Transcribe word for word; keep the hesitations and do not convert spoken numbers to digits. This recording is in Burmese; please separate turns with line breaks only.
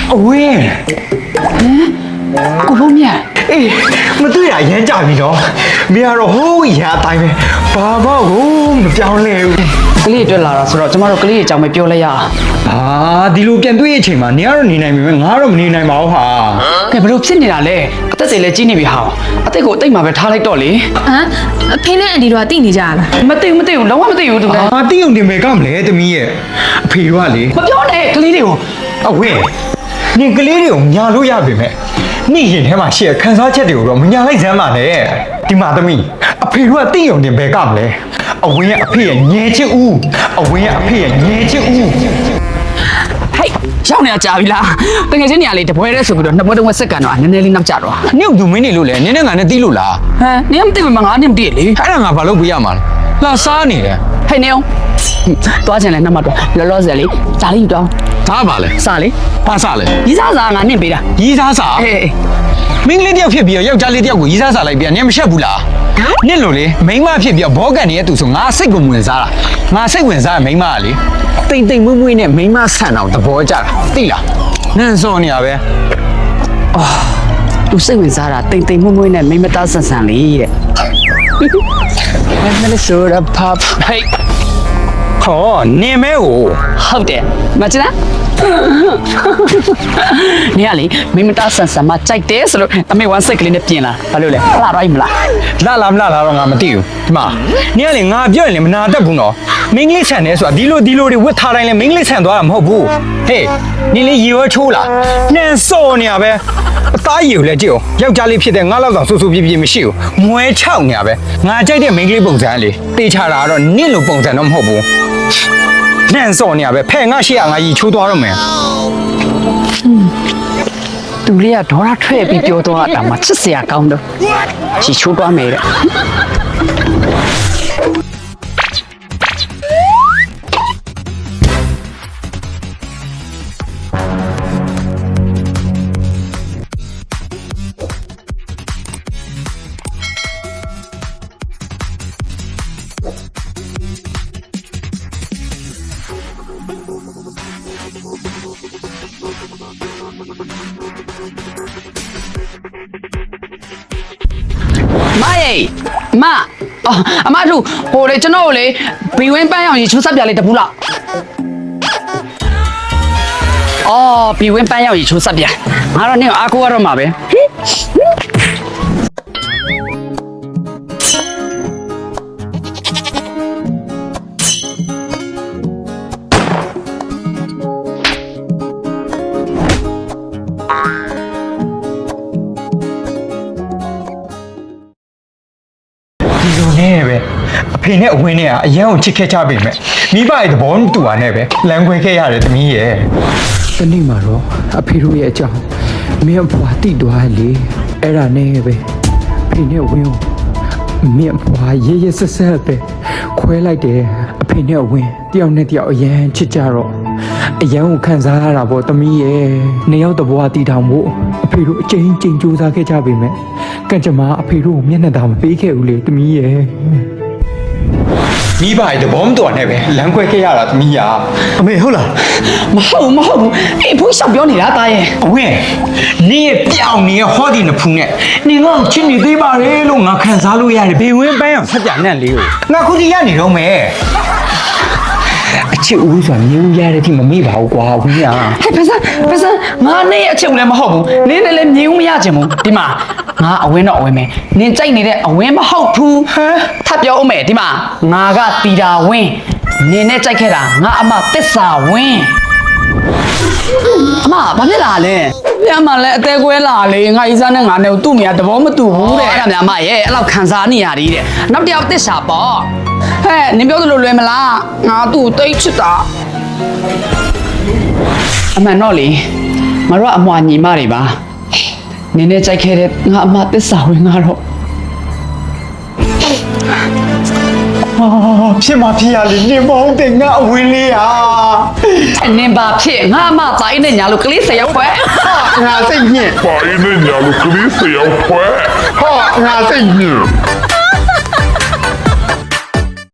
အဝင်း
ကိုလုံးမြတ်
အေးမတွေ့ရရမ်းကြပြီနော်မင်းကတော့ဟိုးရအတိုင်းပဲဘာမှကိုမပြောင်းလဲဘူး
ကလေးတွေ့လာတာဆိုတော့ကျမတို့ကလေးရဲ့အကြောင်းပဲပြောလိုက်ရအောင်
ဟာဒီလိုပြန်တွေ့ရအချိန်မှာနေရတော့နေနိုင်ပြီငါတော့မနေနိုင်ပါဘူးဟာ
ကဲဘလို့ဖြစ်နေတာလဲအသက်တွေလည်းကြီးနေပြီဟာအသက်ကိုအသိမှပဲထားလိုက်တော့လေ
ဟမ်အဖေနဲ့အန်ဒီတို့ကတိနေကြရလား
မသိဘူးမသိဘူးလုံးဝမသိဘူးသူလည်း
ဟာတိုံတင်မယ်ကမလဲသမီးရဲ့အဖေတို့ကလေ
မပြောနဲ့ကလေးတွေကို
အဝင်းနင်ကလေးတွေကိုညာလို့ရပြီမဲ့နေ့ရင်ထဲမှာရှေ့ခန်းစားချက်တွေကိုတော့မညာလိုက်စမ်းပါနဲ့ဒီမှာသမီးအဖေတို့ကတိုံတင်ပဲကမလဲအဝင်းရဲ့အဖေရဲ့ငဲချစ်ဦးအဝင်းရဲ့အဖေရဲ့ငဲချစ်ဦး
ဟဲ့ရောက်နေတာကြာပြီလားတကယ်ချင်းနေရာလေးတပွဲတည်းဆိုပြီးတော့နှစ်ပွဲသုံးပွဲစက္ကန်တော့နည်းနည်းလေးနောက်ကျတော့
နင့်ကသူမင်းနေလို့လေနင်းနဲ့ငါနဲ့တီးလို့လား
ဟမ်နင်မသိဘူးမငါနဲ့မသိလေ
အဲ့ဒါငါဘာလို့ပြရမှာလဲလာစားနေတယ်
ဟဲ့နေအောင်သွားချင်လဲနှမတော့လောလောဆယ်လေးစားလေးယူတော့
ဒါပါလေ
စားလေး
ဘာစားလဲ
ရီးစားစားငါနင့်ပေးတာ
ရီးစားစား
အေး
မင်းကလေးတယောက်ဖြစ်ပြီးတော့ယောက်ျားလေးတယောက်ကိုရီးစားစားလိုက်ပြန်နင်မရှက်ဘူးလားနင့်လို့လေမိန်းမဖြစ်ပြီးတော့ဘောကန်နေတဲ့သူဆိုငါစိတ်ကိုဝင်စားတာငါစိတ်ဝင်စားမိန်းမကလေတိမ်တိမ်မွေ့မွေ့နဲ့မိန်းမဆန်အောင်သဘောကျတာသိလားနန်းစောနေရပဲ
အာသူစိတ်ဝင်စားတာတိမ်တိမ်မွေ့မွေ့နဲ့မိန်းမသားဆန်ဆန်လေးတဲ့
မင်းလည်းဆိုရပါဟိတ်ဟောနေမဲကို
ဟုတ်တယ်မချလားနေရလေမိမတာဆန်ဆန်မကြိုက်တယ်ဆိုလို့အမေဝမ်းစိတ်ကလေးနဲ့ပြင်လာဘာလို့လဲလှတော့မလား
လှလားမလှလားတော့ငါမသိဘူးဒီမှာနေရလေငါပြောရင်လေမနာတတ်ဘူးနော်မင်းကလေးဆန်တယ်ဆိုတာဒီလိုဒီလိုတွေဝတ်ထားတိုင်းလဲမင်းကလေးဆန်သွားတာမဟုတ်ဘူးဟေးနေလေရေရောချိုးလားနှန်စောနေရပဲအသားရည်ကိုလည်းကြည့်အောင်ယောက်ျားလေးဖြစ်တဲ့ငါလောက်တော့ဆူဆူပြပြမရှိဘူးမွဲချောက်နေရပဲငါကြိုက်တဲ့မင်းကလေးပုံစံလေတေးချတာကတော့နင့်လိုပုံစံတော့မဟုတ်ဘူးနှန်စောနေရပဲဖဲငါရှိရငါရီချိုးသွားတော့မယ်
သူလေးကဒေါ်ရထွက်ပြီးပြောတော့တာမှချစ်စရာကောင်းတော့ချီချိုးသွားမယ်တဲ့မယေမအော်အမတို့ဟိုလေကျွန်တော်လေဘီဝင်းပန်းအောင်ရေချိုးဆက်ပြလေးတပူလောက်အော်ဘီဝင်းပန်းအောင်ရေချိုးဆက်ပြငါတော့နေအားကိုရတော့မှာပဲ
နဲ့ပဲအဖေနဲ့အဝင်းနဲ့ကအရန်ကိုချစ်ခဲ့ကြပြီမဲ့မိဘရဲ့သဘောတူတာနဲ့ပဲလမ်းခွဲခဲ့ရတယ်သမီးရဲ့တနေ့မှာတော့အဖေတို့ရဲ့အကြောင်းမင်းအဖွာတိသွားလေအဲ့ဒါနဲ့ပဲအဖေနဲ့အဝင်းကိုမင်းအဖွာရေးရေးဆက်ဆက်ပဲခွဲလိုက်တယ်အဖေနဲ့အဝင်းတယောက်နဲ့တယောက်အရန်ချစ်ကြတော့အရန်ကိုခံစားရတာပေါ့သမီးရဲ့နှစ်ယောက်တဘွားတီထောင်ဖို့အဖေတို့အချိန်ချင်းကြိုးစားခဲ့ကြပြီမဲ့ကံကြမ္မာအဖေတို့ကိုမျက်နှာသာမပေးခဲ့ဘူးလေသမီးရဲ့မိဘရဲ့သဘောမတူနဲ့ပဲလမ်းခွဲခဲ့ရတာသမီးရာအမေဟုတ်လား
မဟုတ်မဟုတ်ဘူးအေးဖိုးရှောက်ပြောနေတာတာရဲ့
အဝင်းနေပြောင်းနေဟောဒီနဖူးနဲ့နေငါ့ကိုချစ်နေသေးပါလေလို့ငါခံစားလို့ရတယ်ဘေဝင်းပန်းအောင်ဆက်ပြနဲ့လေးကိုငါခုစီရနေတော့မယ်အချစ်ဦးဆိုတာမျိုးရတဲ့ထိမမေ့ပါဘူးကွာဝင်းရ
ဟဲ့ပစံပစံငါနဲ့အချစ်လည်းမဟုတ်ဘူးနင်းလည်းမြင်ဦးမရချင်ဘူးဒီမှာငါအဝင်းတော့အဝင်းမယ်နင်ကြိုက်နေတဲ့အဝင်းမဟုတ်ဘူးဟမ်ထပ်ပြောဦးမယ်ဒီမှာငါကတီတာဝင်းနင်နဲ့ကြိုက်ခဲ့တာငါအမတစ္ဆာဝင်းအမဘာဖြစ်လာလဲပြန်မှလည်းအသေးကွဲလာလေငါဤစားနဲ့ငါနဲ့သူ့မိကသဘောမတူဘူးတဲ့အဲ့ဒါများမရဲ့အဲ့လောက်ခံစားနေရသေးတဲ့နောက်တစ်ယောက်တစ္ဆာပေါ့ဟဲ့နင်ပြောသလိုလွယ်မလားငါသူ့တိတ်ချစ်တာအမှန်တော့လေငါတို့ကအမွာညီမတွေပါနင်းနဲ့ကြိုက်ခဲ့တဲ့ငါအမသစ္စာဝင်ငါတော့
ဟာဖြစ်မှာဖြစ်ရလေနင်မဟုတ်တဲ့ငါအဝင်းလေးဟာ
နင်ပါဖြစ်ငါအမသားအိနဲ့ညာလို့ကလေးဆယ်ယောက်ခွဲ
ဟာငါစိတ်ညစ်
ပါအိနဲ့ညာလို့ကလေးဆယ်ယောက်ခွဲဟာငါစိတ်ညစ်